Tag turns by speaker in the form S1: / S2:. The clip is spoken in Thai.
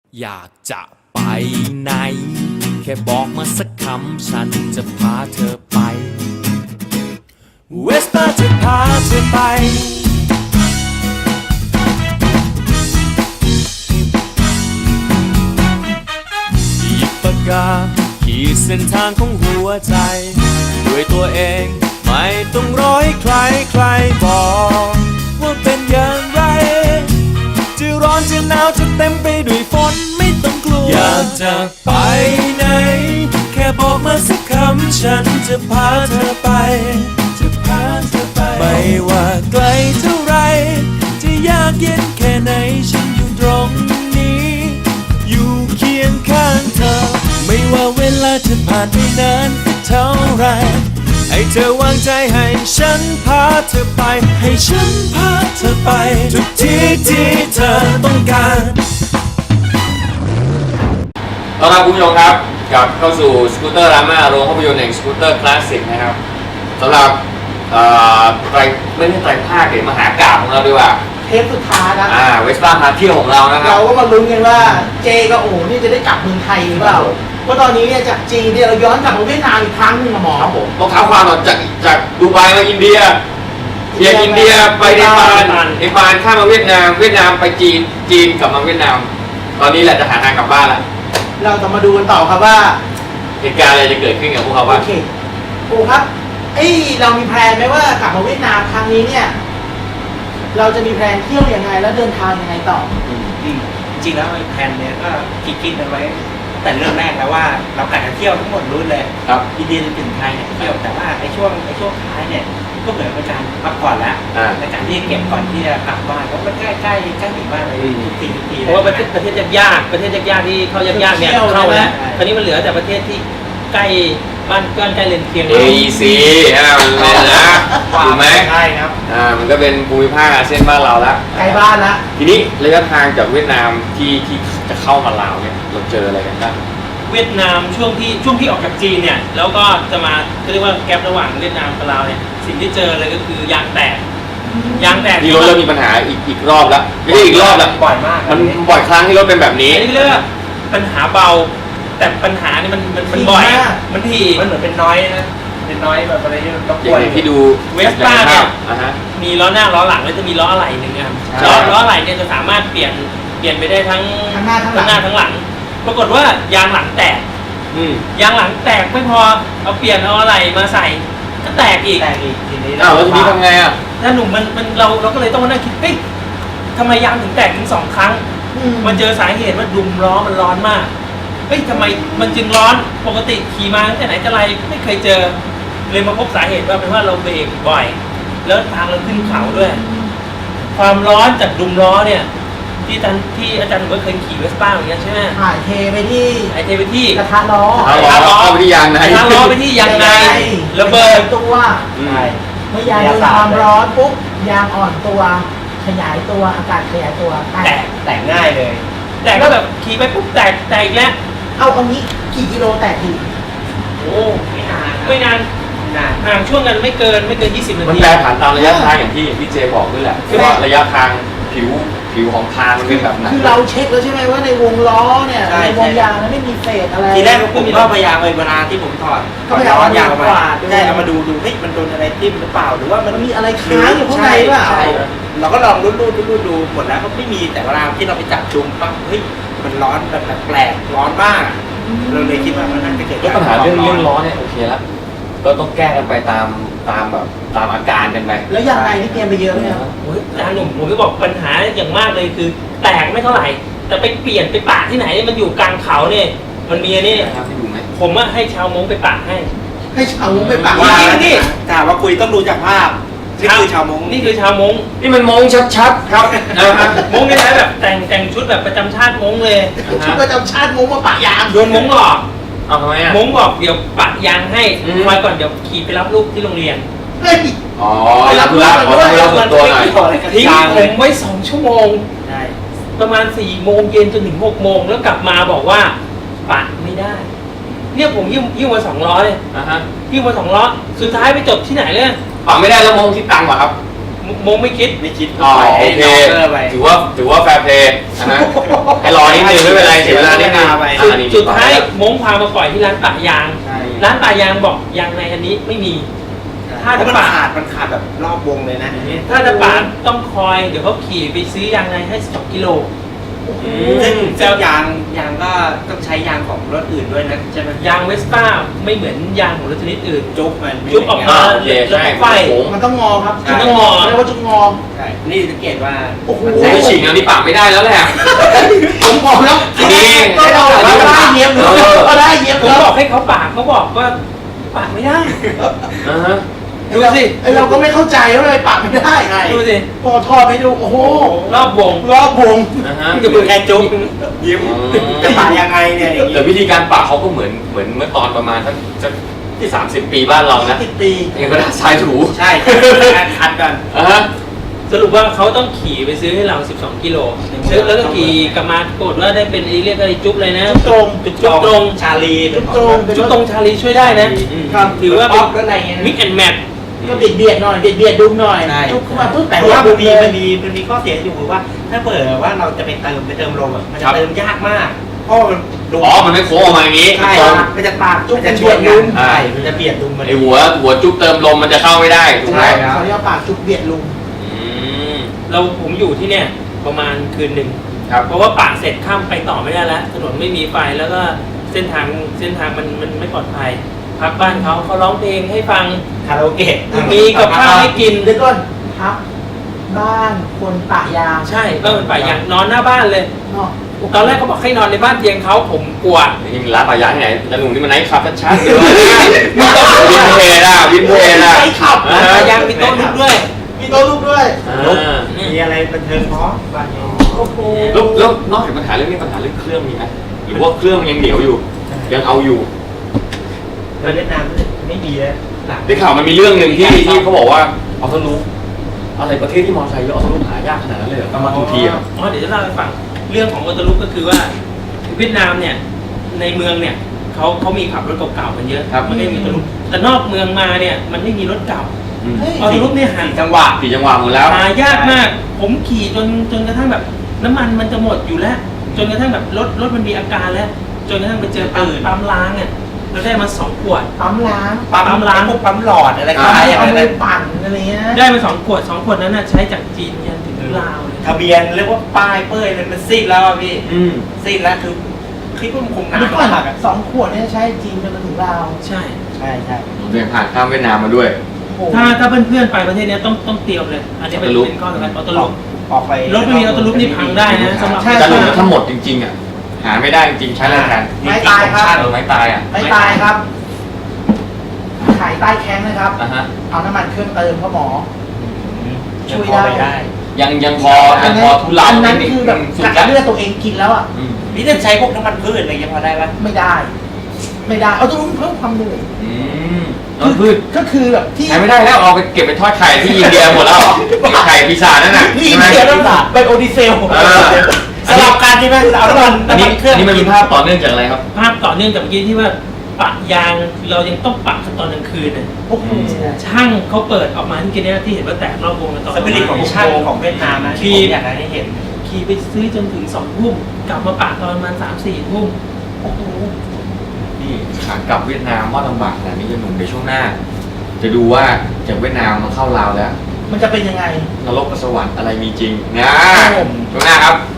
S1: อยากจะไปไหนแค่บอกมาสักคำฉันจะพาเธอไปเวสป้าจะพาเธอไปหยิบปากกาขีดเส้นทางของหัวใจด้วยตัวเองไม่ต้องรอให้ใครบอกว่าเป็นอย่างไรจะร้อนจะหนาวจะเต็มไปด้วยฝนไม่ต้องกลัวอยากจะไปไหนแค่บอกมาสักคำฉันจะพาเธอไปไม่ว่าไกลเท่าไรจะยากเย็นแค่ไหนฉันอยู่ตรงนี้อยู่เคียงข้างเธอไม่ว่าเวลาจะผ่านไปนานเท่าไรให้เธอวางใจให้ฉันพาเธอไปให้ฉันพาเธอไปทุกที่ที่เธอต้องการ
S2: ต้อนรับคุณผู้ชมครับกลับเข้าสู่สกูตเตอร์ราม่าโรงภาพยนตร์แห่งสกูตเตอร์คลาสสิกนะครับสำหรับไม่ใช่ไตรภาคเดี๋ยวมหากาพย์ของเราดีกว่า
S3: เทปสุดท้ายนะ
S2: เวสป้าพาเที่ยวของเรานะครับ
S3: เราก็มาลุ้นกันว่าเจกับโอ๋นี่จะได้กลับเมืองไทยหรือเปล่าเพราะตอนนี้เนี่ยจากจีนเนี่ยเราย้อนกลับมาเวียดนามอีกครั้งหนึงนะหมอ
S2: ครับผมต้องเท้าความก่อนจากดูไบมาอินเดียอินเดียไปเนปาลข้ามมาเวียดนามไปจีนกลับมาเวียดนามตอนนี้แหละจะหาทางกลับบ้านละ
S3: เราจะมาดูกันต่อครับว่า
S2: เหตุการณ์อะไรจะเกิดขึ้นกับพวกเขาบ้าง
S3: โอเคโอ้ครับเรามีแพลนไหมว่ากลับมาเวียดนามครั้งนี้เนี่ยเราจะมีแพลนเที่ยวยังไงแล้วเดินทางยังไงต่อ
S4: จริงแล้วไอ้แผนเนี้ยก็คิดกันไว้แต่เรื่องแรกแล้วว่าเรากะจะเที่ยวทั้งหมดรุ่นเลย
S2: ครับ
S4: อินเดียถึงไทยเนี่ยเที่ยวแต่ว่าไอ้ช่วงท้ายเนี่ยก็เหมือนเป็นการพักผ่อนแล้วในการที่เก็บก่อนที่จะกลับบ้านเพราะมันใกล้ถึงบ้านเลยทุกที
S5: เพราะว่าประเทศยากที่เข้ายากเนี่ยเข้าแล้วคราวนี้มันเหลือแต่ประเทศที่ใกล้บ้านใกล้เรือนเคียง
S2: AEC มันนะถูกไหม
S4: ใช่ครับ
S2: มันก็เป็นภูมิภาคอาเซียนบ้านเราแล้ว
S3: ใกล้บ้านละ
S2: ทีนี้ระยะทางจากเวียดนามที่จะเข้ามาลาวเนี่ยเราเจออะไรกันบ้าง
S5: เวียดนามช่วงที่ออกจากจีนเนี่ยแล้วก็จะมาเรียกว่าแกประหว่างเวียดนามกับลาวเนี่ยสิ่งที่เจอเลยก็คือยางแตก
S2: ที่รถเริ่มมีปัญหาอีกรอบแล้วไม่ใช่อีกรอบแล้ว
S4: บ่อยมาก
S2: มันบ่อยครั้งที่รถเป็นแบบนี้
S5: อันนี้เรียกว่าปัญหาเบาแต่ปัญหานี่มันบ่อยมันที
S4: มันเหมือนเป็นน้อยนะเป็นน้อยแบบอะไรที่รบกวน
S2: ที่ดู
S5: เวสป้าเนี่ยมีล้อหน้าล้อหลังแล้วจะมีล้ออะไหล่หนึ่งนะครับล้ออะไหล่เนี่ยจะสามารถเปลี่ยนไปได้ทั้งหน้าทั้งหลังปรากฏว่ายางหลังแตกยางหลังแตกไม่พอเอาเปลี่ยนเอาอะไหล่มาใส่ก็แตกอีก
S4: ทีนี้
S2: แล้วทีนี้ทำไงอ่ะ
S5: ถ้าหนุ่มมันเราก็เลยต้องมานั่งคิดเฮ้ยทำไมยางถึงแตกถึง2 ครั้งมันเจอสาเหตุว่าดุมล้อมันร้อนมากเฮ้ยทำไมมันจึงร้อนปกติขี่มาตั้งแต่ไหนแต่ไรไม่เคยเจอเลยมาพบสาเหตุว่าเป็นว่าเราเบรกบ่อยแล้วทางเราขึ้นเขาด้วยความร้อนจากดุมล้อเนี่ยที่อาจารย์หนุ่มก็เคยขี่เวสป้าเหมือนกันใช่ไหม
S3: ถ่ายเทไปที่กระทะล้อ
S2: ไปที่ยางใน
S5: กระทะล้อไปที่ยางในระเบิด
S3: ตัวเมื่อยางโดนความร้อนปุ๊บยางอ่อนตัวขยายตัวอากาศขยายตัว
S4: แตกง่ายเลย
S5: แต่ก็แบบขี่ไปปุ๊บแตกอีกแล้ว
S3: เอางี้กี่กิโลแตกที
S5: โอ้ไม่นานห่างช่วงกันไม่เกิน20 นาที
S2: มันแปรผันตามระยะทางอย่างที่พี่เจบอกด้วยแหละคือว่าระยะทางผิวของทางมันเป็นแบบไหน
S3: คือเราเช็คแล้วใช่ไหมว่าในวงล้อเนี่ยในวงยางนั้นไม่มีเศษอะไร
S4: ทีแรกผมก็พยายามเวลาที่ผมถอด
S3: ก็พยายาม
S4: ยางมาใช่เรามาดูเฮ้ยมันโดนอะไรทิ่มหรือเปล่าหรือว่ามัน
S3: มีอะไรค้างอยู่ข้างในเปล่า
S4: เราก็ลองรูดดูหมดแล้วก็ไม่มีแต่เวลาที่เราไปจับจุ่มปั๊บเฮ้ยมันร้อนแบบแปลกร้อนมากเราเลยคิดว่ามันน่าจะเกิด
S2: ปัญหาเรื่องร้อนเนี่ยโอเคแล้วก็ต้องแก้กันไปตามอาการกันไป
S3: แล้วยังไงที่เตรียมไปเยอะเนี่ย
S5: อาจารย์หนุ่มผมก็บอกปัญหาอย่างมากเลยคือแตกไม่เท่าไหร่แต่ไปเปลี่ยนไปปะที่ไหนมันอยู่กลางเขาเนี่ยมันมีนี่ผมว่าให้ชาวมงไปปะให้
S3: ชาวมงไปปะ
S5: นี่
S4: ถามว่าคุยต้องดูจากภาพนี่คือชาวมง
S2: นี่มันมงชัดๆครับ
S5: มงนี่ใช้แบบแต่งชุดแบบประจำชาติมงเลย
S3: ชุดประจำชาติมงมาปะยาง
S5: โดนมงหลอก
S2: เอาทำไมอ่ะ
S5: มงบอกเดี๋ยวปะยางให้คอยก่อนเดี๋ยวขี่ไปรับลูกที่โรงเรียน
S2: ไปรับตัวหน่อย
S5: ทิ้งผมไว้2 ชั่วโมงประมาณ4 โมงเย็นจนถึง6 โมงแล้วกลับมาบอกว่าปะไม่ได้เนี่ยผมยิ้มมา2 ล้อเลยยิ้มมา2 ล้อสุดท้ายไปจบที่ไหนเลย
S2: ปะไม่ได้แล้วมงคิดตังค์ป่ะครับ
S5: มงไม่คิด
S4: ไม่คิด
S2: อ๋อ
S4: ปล่อย
S2: โอ
S4: ให้
S2: เค
S4: น้องเกอร์ไป
S2: ถือว่าแฟร์เพลย์นะฮะให้รอนิดนึงไม่เป็นไรเสียเวลานิดนึง
S4: ไป
S2: นี่
S5: สุดท้ายมงพามาปล่อยที่ร้านปะยาง
S4: ใช่
S5: ร้านปะยางบอกยางในอันนี้ไม่มี ถ้า
S4: ถ้า
S5: จะ
S4: มัน
S5: ปาด
S4: ขาดแบบรอบวงเลยนะ
S5: ถ้าจะปาดต้องคอยเดี๋ยวเขาขี่ไปซื้อยางในให้2 กิโล
S4: ซึ่งยางก็ต้องใช้ยางของรถอื่นด้วยนะใช่ไหม
S5: ยางเวสป้าไม่เหมือนยางของรถชนิดอื่น
S4: จุ๊บมัน
S5: จุ๊บออกมา
S2: โอเคใช่
S5: ไฟ
S2: โค้ง
S3: มันต้องงอครับ
S5: มันต้องงอ
S3: เรียกว่าจุกงอ
S4: ใช่นี่สังเกตว่า
S3: โอ้โห
S2: โอ้ยฉีกแนวนี้ปากไม่ได้แล้วแหละ
S3: ผมบอกแล้ว
S2: นี่
S3: ก็เราได้เย็บก็ได้เย็บ
S5: ผม
S3: แล้ว
S5: บอกให้เขาปาดเขาบอกว่าปาดไม่ได้
S2: อ่าฮะ
S5: ดูสิ
S3: ไอเราก็ไม่เข้าใจว่าเลยปากไม่ได้ไง
S5: ดูสิ
S3: พอทอดไปดูโอ้โห
S5: รอบวง
S3: รอบวง
S2: อ่าฮะ
S5: จะเป็นแค่จุ๊บ
S4: ยิ้ม
S2: อืม
S4: จะปาดยังไงเนี่ยอย่างงี้
S2: แต่วิธีการปากเขาก็เหมือนเมื่อตอนประมาณสักที่ 30 ปีบ้านเรานะ
S3: 10 ปี
S2: ยังกระดาษทรายถู
S4: ใช่คัดกัน
S2: อ่าฮะ
S5: สรุปว่าเขาต้องขี่ไปซื้อให้เรา12 กิโลซื้อแล้วก็ขี่กลับมากดว่าได้เป็นเรียกอะไรจุ๊บเลยนะ
S3: ตรง
S5: จุ๊บตรง
S4: ชาลี
S3: จุ๊บตรง
S5: จุ๊บตรงชาลีช่วยได้นะ
S3: ครับ
S5: ถือว่า
S4: ป๊
S5: เป็
S4: อน ปอะไรเงี้ย
S5: มิกแอนแมท
S3: ก็เบียดหน่อยเบียดดุมหน่อย
S4: ใช่
S3: จุ๊บเข้ามาปุ๊บ
S4: แต่
S3: แต่
S4: ว่า
S3: ว่า
S4: มันมีข้อเสียอยู่คือว่า ถ้าเปิดว่าเราจะไปเติมลมอ่ะมันจะเติมยากมากเพราะมันดู
S2: อ๋อ มันไม่โค้งออกมาอย่างนี้
S4: ใช่
S2: ตรง
S4: มันจะปากมันจะชวนกันใช่มันจะเบียดดุมมัน
S2: ไอหัวจุ๊บเติมลมมันจะเข้าไม่ได้ถูกไหม
S3: ใช่เขาเรียกว่าปากจุ๊บเบียดลุง
S2: อืม
S5: ผมอยู่ที่เนี่ยประมาณคืนหนึ่ง
S2: ครับ
S5: เพราะว่าปากเสร็จข้ามไปต่อไม่ได้แล้วถนนไม่มีไฟแล้วก็เส้นทางมันไม่ปลอดภัยพักบ้านเขาร้องเพลงให้ฟัง
S4: คาราโอเกะ
S5: มีกับข้าวให้กิน
S3: เดี๋ยวก่อนครับ บ้านคนปะยาง
S5: ใช่ก็เป็นป่ายางนอนหน้าบ้านเลย
S3: เนาะ
S5: ตอนแรกเขาบอกให้นอนในบ้านเตียงเขาผมกลัว
S2: นี่มันร้านปลายางที่ไหนแต่หนุ่มนี่มันไนท์คลับชัดๆเดี๋ยววินเทจอ่ะวินเทจอ่ะ
S3: ใช่ขับ
S2: อ่
S5: ป่ายางมีโต๊ะลุกด้วย
S3: มีโต๊ะลูกด้วย
S2: อ่า
S4: มีอะไรบันเทิงพร้อมบ้านนี้
S3: โอ้โห
S2: แล้วนอกจากปัญหาเรื่องนี้ปัญหาเรื่องเครื่องมีไหมหรือว่าเครื่องยังเหนียวอยู่ ยังเอาอยู่
S4: เวียดนามไม่มีแล้วหลัง
S2: ได้ข่าวมันมีเรื่องหนึ่งที่เขาบอกว่าออโต้ลูปอะไรประเทศที่มอเตอร์ไซค์เยอะออโต้ลูปหายากขนาดนั้นเลยเหรอต้องมาทุกทีอ่ะ
S5: อ๋อเดี๋ยวจะเล่าให้ฟังเรื่องของออโต้ลุกก็คือว่าเวียดนามเนี่ยในเมืองเนี่ยเขามีขับรถเก่าๆกันเยอะมันไม่มีออโต้ลุกแต่นอกเมืองมาเนี่ยมันไม่มีรถเก่า
S3: เฮ้ย
S5: ออโต้ลุกเนี่ยหา
S4: 4 จังหวะ
S2: สี่จังหวะหมดแล้ว
S5: หายากมาก ผมขี่จนกระทั่งแบบน้ำมันมันจะหมดอยู่แล้ว จนกระทั่งแบบรถมันมีอาการแล้ว จนกระทั่งไปเจอปั๊มล้างเนี่ยเราได้มา2 ขวด
S3: ปั๊มล้าง
S5: ปั๊มล้าง
S4: พวกปั๊มหลอดอะไรก็
S3: ปั๊ม
S4: ได้
S3: เอา
S4: อะไร
S3: ไป
S4: นั้น
S3: ปั่นอะไรเงี้ย
S5: ได้มา2 ขวด2 ขวดนั้นน่ะใช้จากจีนยันถึงลาวเลย
S4: ทะเบียนเรียกว่าป้ายเป้ยมันซีดแล้วอะพี่
S2: อืม
S4: ซีดแล้วคือคลิปมันคงหนา
S3: เดี๋ยวก่อน
S4: มากอะ
S3: 2 ขวดเนี่ยใช้จีนจนมาถึงลาว
S5: ใช่
S4: ใช่ใช่
S2: เดินผ่านข้ามเวียดนามมาด้วย
S3: โอ้โห
S5: ถ้าเพื่อนๆไปประเทศเนี้ยต้องเตรียมเลย อันนี้เป็น
S2: ออโต้ลุค
S5: ข้อสำคัญออโต้ลุก
S4: ออกไป
S5: รถไม่มีออโต้ลุกนี่พังได้นะสำหรับ
S2: แต่หนุ่มถ้าหมดจริงๆอ่ะหาไม่ได้จริงๆใช้อะไรแทน
S3: ไม่ตายครับ
S2: เออไม้ตายอ่ะ
S3: ไม่ตายครับขายใต้แข้งนะครับ
S2: อ่ะฮะ
S3: เอาน้ำมันเครื่องเติมพ่อหมอ ช่วย
S4: พอ
S3: ได้
S4: ไปได้
S2: ยังพอทุเลา
S3: อันนั้นคือแบบ
S2: สุด
S3: กัด
S2: แล้ว
S3: เลือดตัวเองกินแล้วอ่ะ
S2: อืม
S4: นี่จะใช้พวกน้ำมันพืชอะไรเงี้ยพอได้ปะ
S3: ไม่ได้ ไม่ได้ เอาต้องเพิ่มความเหนื่อย
S2: อืมน้ำพืช
S3: ก็คือแบบที่
S2: ใช้ไม่ได้แล้วเอาไปเก็บไปทอดไข่ที่อินเดียหมดแล้วไข่ปีศาจนั่นน่ะ
S3: ที่
S2: ใช่ไหม
S3: เดียวนั่นแหละไบโอดีเซล
S2: เออ
S4: สลับกันใช่ไหมเอาน้ำมัน
S2: อันนี้
S4: เครื่อง
S2: นี่มันเป็นภาพต่อเนื่องจากอะไรครับ
S5: ภาพต่อเนื่องจากเมื่อกี้ที่ว่าปะยางเรายังต้องปะกันตอนกลางคืนน่ะ
S3: โอ้โห
S5: ช่างเขาเปิดออกมาที่เนี่ยที่เห็นว่าแตกรอบวงกันตอน
S4: สปิริตของช่างของเวียดนามนะที่ผมอยากให้เห็น
S5: ขี่ไปซื้อจนถึง2 ทุ่มกลับมาปะตอนประมาณ3-4 ทุ่ม
S3: โอ้โห
S2: นี่ขากลับเวียดนามว่าลำบากขนาดนี้จะหนุ่มในช่วงหน้า จะดูว่าจากเวียดนามมาเข้าลาวแล้ว
S3: มันจะเป็นยังไง
S2: นรกกับสวรรค์อะไรมีจริงนะช่วงหน้าครับ